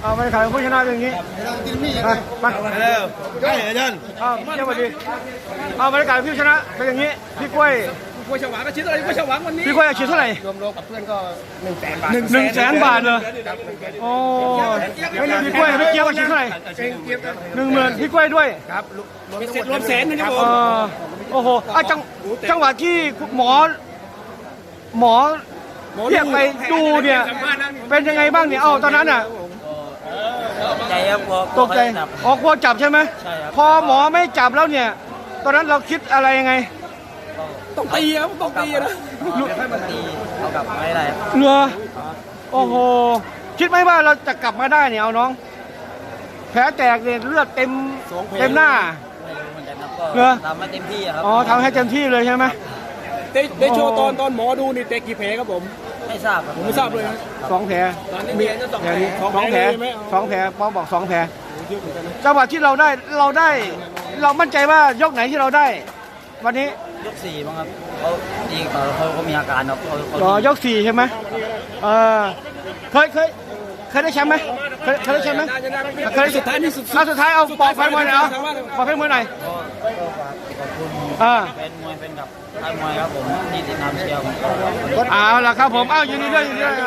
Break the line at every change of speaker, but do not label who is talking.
เอาไปขายผู้ชนะเป็นอย่างนี้ไป
เร็วได้อาจารย์
เจ้าสวัสดีเอาบรรยากาศผู้ชนะเป็นอย่างนี้พี่กล้วย
ฉวางก็ชิ้นอะไรก็ฉวางวันนี้
พี่กล้วยอาชีพเท่าไหร่
รวมกับเพื่อนก็100,000 บาท
100,000 บาทเลยโอ้พี่กล้วยพี่เจี๊ยบอาชีพเท่าไหร่10,000พี่กล้วยด้วย
ครับรวมแสนนะครับผม
โอ้โหจังหวะที่หมอเรียกไปดูเนี่ยเป็นยังไงบ้างเนี่ยตอนนั้นอ่ะ
ใจครับ
ตกใจกลัวจับใช่ไหมพอหมอไม่จับแล้วเนี่ยตอนนั้นเราคิดอะไรยังไง
ต้องตีครับต้องตีนะ
ให้มันตีเอากลับไม่ได้
เรือโอ้โหคิดไหมว่าเราจะกลับมาได้เนี่ยเอาน้องแผลแตกเนี่ยเลือดเต็มหน้า
เรือทำให้เต็มที่ครับ
ทำให้เต็มที่เลยใช่ไหม
ได้โชว์ตอนหมอดูนี่เตะกี่แผลครับผม
ไม่ทราบ
ผมไม่ทราบเลย
2 แผล
มี
2 แผลหมอบอก2 แผลจังหวะที่เรามั่นใจว่ายกไหนที่เราได้วันนี้
ยก4มั้งครับเขาดีเขามีอาการครับ
ยก4ใช่ไหมเคยได้แชมป์ไหมเคยได้แชมป์ไหมเคยสุดท้ายเอาปอกแฟนมวยหน่อยปอกแฟนมวยหน่อย
ขอบคุณแฟนมวยแฟนกับค่ายมวยครับผมที่ติดตามเชียร์ผม
เอาล่ะครับผมยินดีด้วย